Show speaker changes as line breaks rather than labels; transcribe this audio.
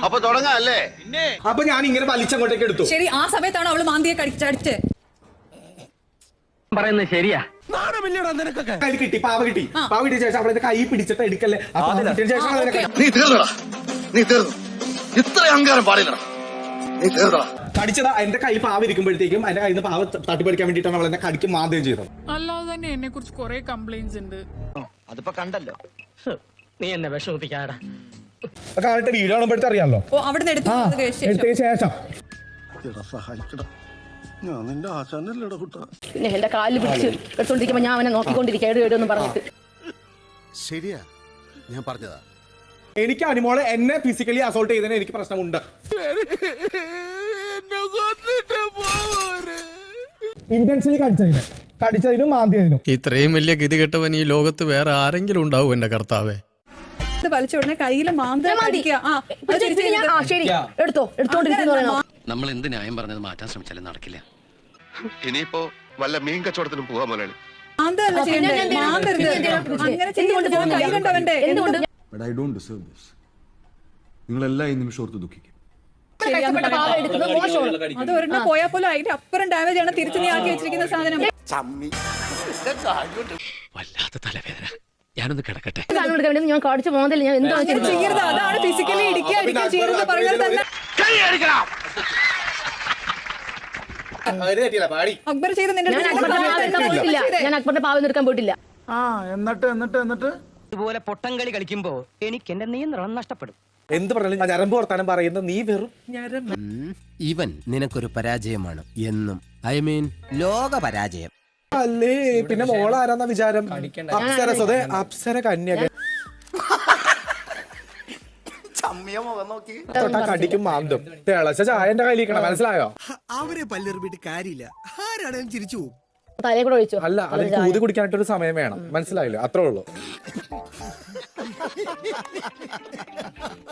അപ്പൊ തുടങ്ങാല്ലേ?
അപ്പൊ ഞാൻ ഇങ്ങനെ വലിച്ചങ്ങോട്ടേക്ക് എടുത്തു.
ശരി, ആ സമയത്താണ് അവള് മാന്തിയെ കടിച്ചടിച്ച്
പറയുന്നത് ശരിയാ.
കയ്യിൽ കിട്ടി, പാവ കിട്ടി. പാവ കിട്ടിയ ശേഷം അവളെ കൈ പിടിച്ചിട്ട് എടുക്കല്ലേ. അപ്പൊ കിട്ടിയ ശേഷം
നീ തീർന്നടാ, നീ തീർന്നു. ഇത്ര അഹങ്കാരം പാടില്ലടാ, നീ തീർന്നടാ.
കടിച്ചതാ എന്റെ കൈ പാവ ഇരിക്കുമ്പോഴത്തേക്കും എന്റെ കയ്യിൽ നിന്ന് പാവ തട്ടിപ്പറിക്കാൻ വേണ്ടിയിട്ടാണ് അവൾ എന്നെ കടിക്കും മാന്തുകയും ചെയ്തത്.
അല്ലാതെ തന്നെ എന്നെ കുറിച്ച് കുറെ കംപ്ലൈന്റ്സ് ഉണ്ട്.
അതിപ്പോ കണ്ടല്ലോ, നീ എന്നെ വിഷമിപ്പിക്കാടാ.
കാണട്ടെ, വീഡിയോ കാണുമ്പോഴത്തെ അറിയാമല്ലോ.
ഓ അവിടുന്ന്
എടുത്തതിന് ശേഷം
ഞാൻ നിന്റെ ആശാനല്ലേടാ കുട്ടാ.
പിന്നെ എന്റെ കാലിൽ പിടിച്ച് എടുത്തോണ്ടിരിക്കുമ്പോ ഞാൻ അവനെ നോക്കിക്കൊണ്ടിരിക്കുക എവിടെയൊന്നും പറഞ്ഞിട്ട്.
ശരിയാ, ഞാൻ പറഞ്ഞതാ.
എനിക്ക് അനുമോളെ എന്നെ ഫിസിക്കലി അസോൾട്ട് ചെയ്തതിന് എനിക്ക് പ്രശ്നമുണ്ട്. ഇന്റൻഷനലി കടിച്ചതിനും മാന്തിയതിനും.
ഇത്രയും വലിയ ഗതി കെട്ടവൻ ഈ ലോകത്ത് വേറെ ആരെങ്കിലും ഉണ്ടാവും എന്റെ കർത്താവേ.
വലിച്ച ഉടനെ കയ്യില്
എടുത്തോണ്ടിരിക്കുന്നു.
നമ്മൾ എന്ത് ന്യായം പറഞ്ഞത് മാറ്റാൻ ശ്രമിച്ചാലും നടക്കില്ല.
ഇനിയിപ്പോ വല്ല മീൻ കച്ചവടത്തിനും പോവാ മുതലാളി.
നിങ്ങളെല്ലാം ഈ നിമിഷം ഓർത്ത് ദുഃഖിക്കും.
അത് ഒരെണ്ണം പോയാൽ പോലും അതിന്റെ അപ്പുറം ഡാമേജ് ആണ് തിരിച്ചു നീ ആക്കി വെച്ചിരിക്കുന്ന സാധനം.
വല്ലാത്ത തലവേദന, ഞാനൊന്ന് കിടക്കട്ടെ.
ഞാൻ കാണിച്ച മോന്തൽ ഞാൻ എന്താ
ചെയ്യരുത്, അതാണ് ഫിസിക്കലി ഇടിക്കുക ചെയ്യരുത് പറഞ്ഞത് തന്നെ. അക്ബർ ചെയ്ത്
ഞാൻ അക്ബറിന്റെ പാവം എടുക്കാൻ പോയിട്ടില്ല.
എന്നിട്ട് ഇതുപോലെ പൊട്ടംകളി കളിക്കുമ്പോ എനിക്ക് എന്റെ നിയന്ത്രണം നഷ്ടപ്പെടും.
എന്ത് പറഞ്ഞാലും ഞരമ്പ് വർത്താനം പറയുന്ന നീ വെറും
ഇവൻ നിനക്കൊരു പരാജയമാണ് എന്നും. ഐ മീൻ ലോക പരാജയം
അല്ലേ. പിന്നെ മോളാരാന്ന വിചാരം? അപ്സരസതെ അപ്സര കന്യക കടിക്കും മാന്തും. തിളച്ച ചായ എന്റെ കയ്യിലിരിക്കണം, മനസ്സിലായോ?
അവരെ പല്ലെറിഞ്ഞിട്ട് കാര്യമില്ല, ആരാണെങ്കിലും ചിരിച്ചു പോകും.
തലയെ കൂടെ ഒഴിച്ചു.
അല്ല, അതിന് കൂതി കുടിക്കാനായിട്ടൊരു സമയം വേണം, മനസ്സിലായില്ലോ? അത്രേ ഉള്ളൂ.